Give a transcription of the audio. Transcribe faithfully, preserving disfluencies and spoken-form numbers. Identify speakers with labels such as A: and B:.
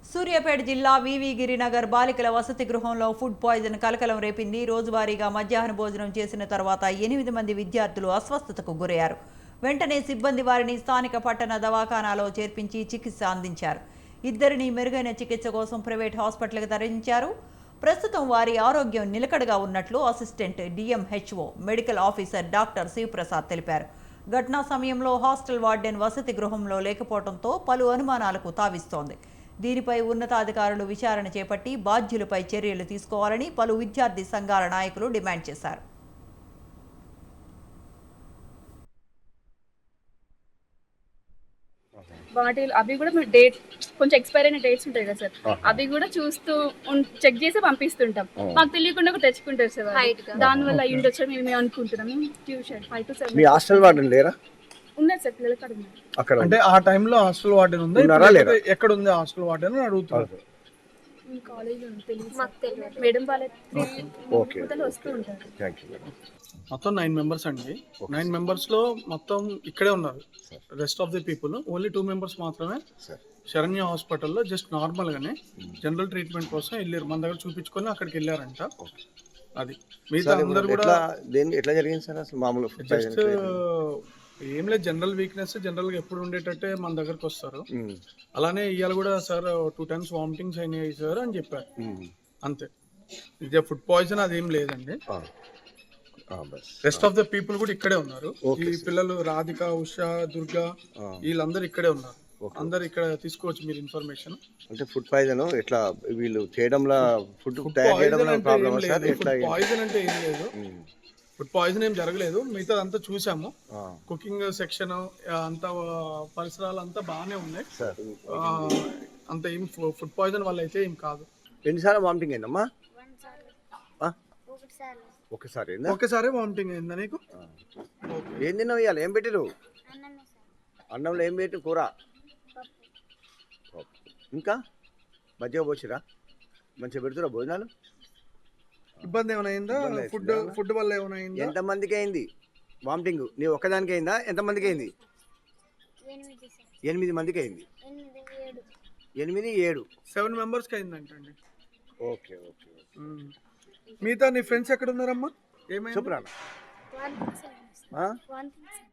A: సూర్యాపేట జిల్లా వివి గిరినగర్ బాలికల వసతి గృహంలో ఫుడ్ పాయిజన్ కలకలం రేపింది. రోజువారీగా మధ్యాహ్న భోజనం చేసిన తర్వాత ఎనిమిది మంది విద్యార్థులు అస్వస్థతకు గురయ్యారు. వెంటనే సిబ్బంది వారిని స్థానిక పట్టణ దవాఖానాలో చేర్పించి చికిత్స అందించారు. ఇద్దరిని మెరుగైన చికిత్స కోసం ప్రైవేట్ హాస్పిటల్కి తరలించారు. ప్రస్తుతం వారి ఆరోగ్యం నిలకడగా ఉన్నట్లు assistant DMHO medical officer doctor Shivaprasad తెలిపారు. ఘటనా సమయంలో హాస్టల్ వార్డెన్ వసతి గృహంలో లేకపోవడంతో పలు అనుమానాలకు తావిస్తోంది. దీనిపై ఉన్నతాధికారులు విచారణ చేపట్టి బాధ్యులపై చర్యలు తీసుకోవాలని పలు విద్యార్థి సంఘాల నాయకులు డిమాండ్ చేశారు.
B: బాటిల్ అవి కూడా మేము డేట్ కొంచెం ఎక్స్పైర్ అయిన డేట్స్ ఉంటాయి కదా సార్, అవి కూడా చూస్తూ చెక్ చేసి పంపిస్తుంటాం. మాకు తెలియకుండా కూడా తెచ్చుకుంటారు సార్, దాని వల్ల అయ్యి ఉండొచ్చు మేము అనుకుంటున్నాము. Tuition five to seven
C: hostel warden లేరా?
B: ఉన్నారు సార్, పిల్లలు కాడ ఉన్నారు.
D: అక్కడ అంటే ఆ టైంలో హాస్టల్ వార్డెన్ ఉంది, ఎక్కడ ఉంది హాస్టల్ వార్డెన్ అని అడుగుతున్నారు.
B: కాలేజ్ ఉంది, తెలియదు మేడం వాళ్ళ వస్తూ ఉంటారు.
D: మొత్తం నైన్ మెంబర్స్ అండి. నైన్ మెంబర్స్ లో మొత్తం ఇక్కడే ఉన్నారు. Rest of the people only two members మాత్రమే శరణ్య హాస్పిటల్లో జస్ట్ నార్మల్ గానే జనరల్ ట్రీట్మెంట్ కోసం వెళ్ళారు. మన దగ్గర చూపించుకొని అక్కడికి వెళ్ళారంట. అది మిగతా అందరు కూడా
C: ఎట్లా జరిగింది సార్? అసలు మామూలు
D: జస్ట్ ఏం లేదు, జనరల్ వీక్నెస్ జనరల్ గా ఎప్పుడు ఉండేటట్టే మన దగ్గరకు వస్తారు. అలానే ఇవాళ కూడా సార్ టూ టైమ్స్ వామిటింగ్స్ అయినాయి సార్ అని చెప్పారు. అంతే, ఇదే ఫుడ్ పాయిజన్ అదేం లేదండి. రెస్ట్ ఆఫ్ ద పీపుల్ కూడా ఇక్కడే ఉన్నారు. ఈ పిల్లలు రాధిక, ఉషా, దుర్గా వీళ్ళందరూ ఇక్కడే ఉన్నారు. అందరు ఇక్కడ తీసుకోవచ్చు మీరు ఇన్ఫర్మేషన్.
C: అంటే ఫుడ్ పాయిజన్ ఎట్లా వీళ్ళు చేయడంలో ఫుడ్
D: పాయిజన్ అంటే ఏం లేదు, ఫుడ్ పాయిజన్ ఏం జరగలేదు. మిగతా అంతా చూసాము. కుకింగ్ సెక్షన్ అంతా పరిసరాలు అంతా బాగానే ఉన్నాయి. అంత ఏం ఫుడ్ పాయిజన్ వల్ల అయితే ఏం కాదు.
C: ఎన్నిసార్లు వామిటింగ్ అయిందమ్మా? ఒకసారి
D: ఒకసారి వామిటింగ్ అయిందా నీకు?
C: ఏం తిన్నావు ఇవాళ? ఏం పెట్టిరు? అన్నంలో ఏం పెట్టి? కూర, ఇంకా మధ్య పోసిరా? మంచిగా పెడుతురా భోజనాలు?
D: ఇబ్బంది ఏమైనా అయిందా? ఫుడ్ ఫుడ్ వల్ల ఏమైనా అయిందా?
C: ఎంత మందికి అయింది వామిటింగ్? నీ ఒక్కదానికి అయిందా? ఎంత మందికి అయింది? ఎనిమిది మందికి అయింది. ఎనిమిది ఏడు
D: సెవెన్ మెంబర్స్కి అయిందంటండి.
C: Okay okay.
D: మిగతా నీ ఫ్రెండ్స్ ఎక్కడ ఉన్నారమ్మా? ఏమైనా
C: చెప్పురా.